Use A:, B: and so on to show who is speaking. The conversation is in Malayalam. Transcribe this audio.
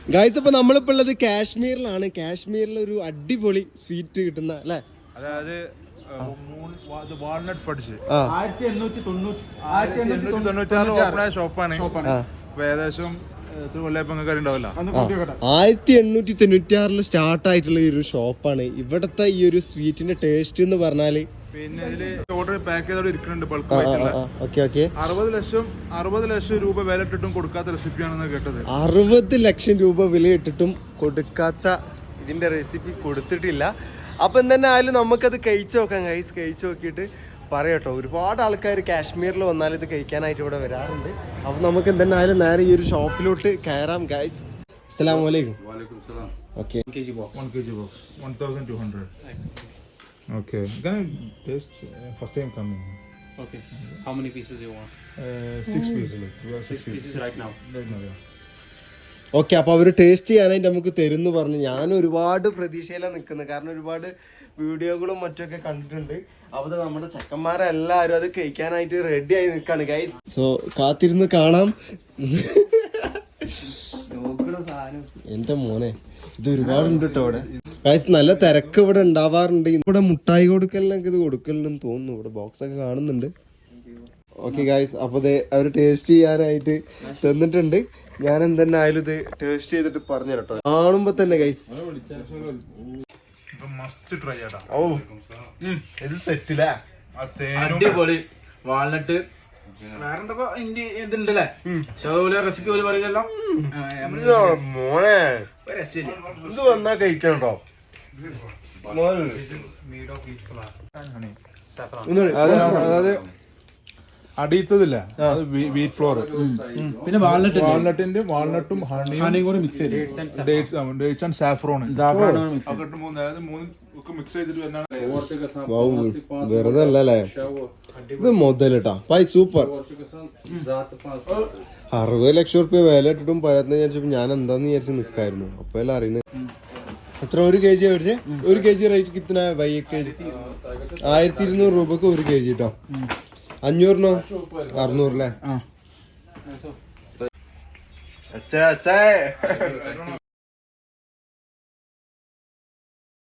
A: ഗൈസ് അപ്പൊ നമ്മളിപ്പോ ഉള്ളത് കാശ്മീരിലാണ്. കാശ്മീരിൽ ഒരു അടിപൊളി സ്വീറ്റ് കിട്ടുന്ന അല്ലെ,
B: അതായത് വാൾനട്ട് ഫഡ്സ്
C: 1896
B: ഷോപ്പാണ്. ഏകദേശം
A: 1896 സ്റ്റാർട്ട് ആയിട്ടുള്ള ഈ ഒരു ഷോപ്പാണ്. ഇവിടത്തെ ഈ ഒരു സ്വീറ്റിന്റെ ടേസ്റ്റ് എന്ന് പറഞ്ഞാല്
B: പിന്നെ ഇതില് ഓർഡർ പാക്ക് ചെയ്തോടെ ഇരിക്കുന്നുണ്ട്. ബൾക്ക് ആയിട്ടുള്ള 60 ലക്ഷം രൂപ വില ഇട്ടിട്ടും കൊടുക്കാത്ത റെസിപ്പിയാണെന്ന് കേട്ടത്.
A: 60 ലക്ഷം രൂപ വില ഇട്ടിട്ടും കൊടുക്കാത്ത ഇതിന്റെ റെസിപ്പി കൊടുത്തിട്ടില്ല. അപ്പൊ തന്നെ ആയാലും നമുക്കത് കഴിച്ചു നോക്കാം ഗൈസ്. കഴിച്ചു നോക്കിയിട്ട് പറയട്ടോ. ഒരുപാട് ആൾക്കാർ കാശ്മീരിൽ വന്നാൽ ഇത് കഴിക്കാനായിട്ട് ഇവിടെ വരാറുണ്ട്. അപ്പൊ നമുക്ക് എന്തായാലും നേരെ ഈ ഒരു ഷോപ്പിലോട്ട് കയറാം ഗൈസ്. അസ്സലാമു അലൈക്കും. Okay,
B: 1 kg box 1200. Okay, can I taste? First time coming.
C: Okay. How many pieces you want?
B: 6 pieces.
C: Six pieces right now.
B: Yeah.
A: Okay. അപ്പോൾ അവർ ടേസ്റ്റ് ചെയ്യാനായിട്ട് നമുക്ക് തരുമെന്ന് പറഞ്ഞു. ഞാൻ ഒരുപാട് പ്രതീക്ഷയിലാണ് നിൽക്കുന്നത്. കാരണം ഒരുപാട് വീഡിയോകളും മറ്റൊക്കെ കണ്ടിട്ടുണ്ട്. അപ്പോൾ നമ്മുടെ ചെക്കന്മാരെല്ലാവരും അത് കഴിക്കാനായിട്ട് റെഡി ആയി നിൽക്കാണ് ഗൈസ്. സോ കാത്തിരുന്ന് കാണാം. എൻ്റെ മോനെ ഇത് ഒരുപാടുണ്ട് കേട്ടോ ഇവിടെ ഗൈസ്. നല്ല തിരക്ക് ഇവിടെ ഉണ്ടാവാറുണ്ട്. ഇവിടെ മുട്ടായി കൊടുക്കലിനൊക്കെ ഇത് കൊടുക്കലെന്ന് തോന്നുന്നു. ഇവിടെ ബോക്സ് ഒക്കെ കാണുന്നുണ്ട്. ഓക്കെ ഗൈസ്, അപ്പോൾ അവർ ടേസ്റ്റ് ചെയ്യാനായിട്ട് തന്നിട്ടുണ്ട്. ഞാൻ എന്തെന്നെ ആയാലും ഇത് ടേസ്റ്റ് ചെയ്തിട്ട് പറഞ്ഞു കേട്ടോ. കാണുമ്പോ തന്നെ ഗൈസ് ഓ ഇത് സെറ്റില്ലേ.
C: അടിപൊളി വാൾനട്ട്. വേറെന്തൊക്കെ ഇതുണ്ടല്ലേ, റെസിപ്പി പോലെ പറയില്ലല്ലോ
A: മോനെ. ഇത് വന്നാ കഴിക്കണോ?
B: അതായത് അടിയത്തതില്ല, വീറ്റ് ഫ്ലോർ,
C: പിന്നെ
B: വാൾനട്ടും ഹണിയും കൂടി മിക്സ് ചെയ്ത് ഡേറ്റ്സ് ആൻഡ് സാഫ്രോൺ മിക്സ് ചെയ്തിട്ട്
A: വെറുതെ അല്ലേ ഇത് മുതലിട്ടാ പൈ. സൂപ്പർ. 60 ലക്ഷം റുപ്യ വില ഇട്ടിട്ടും പരത്തുന്ന വിചാരിച്ചപ്പോ ഞാൻ എന്താന്ന് വിചാരിച്ച് നിക്കായിരുന്നു. അപ്പൊ എല്ലാം അറിയുന്നത്. എത്ര 1 kg മേടിച്ചേ? 1 kg റേറ്റ് കിട്ടുന്ന 1200 രൂപക്ക് 1 kg കേട്ടോ. 500 600 അല്ലേ?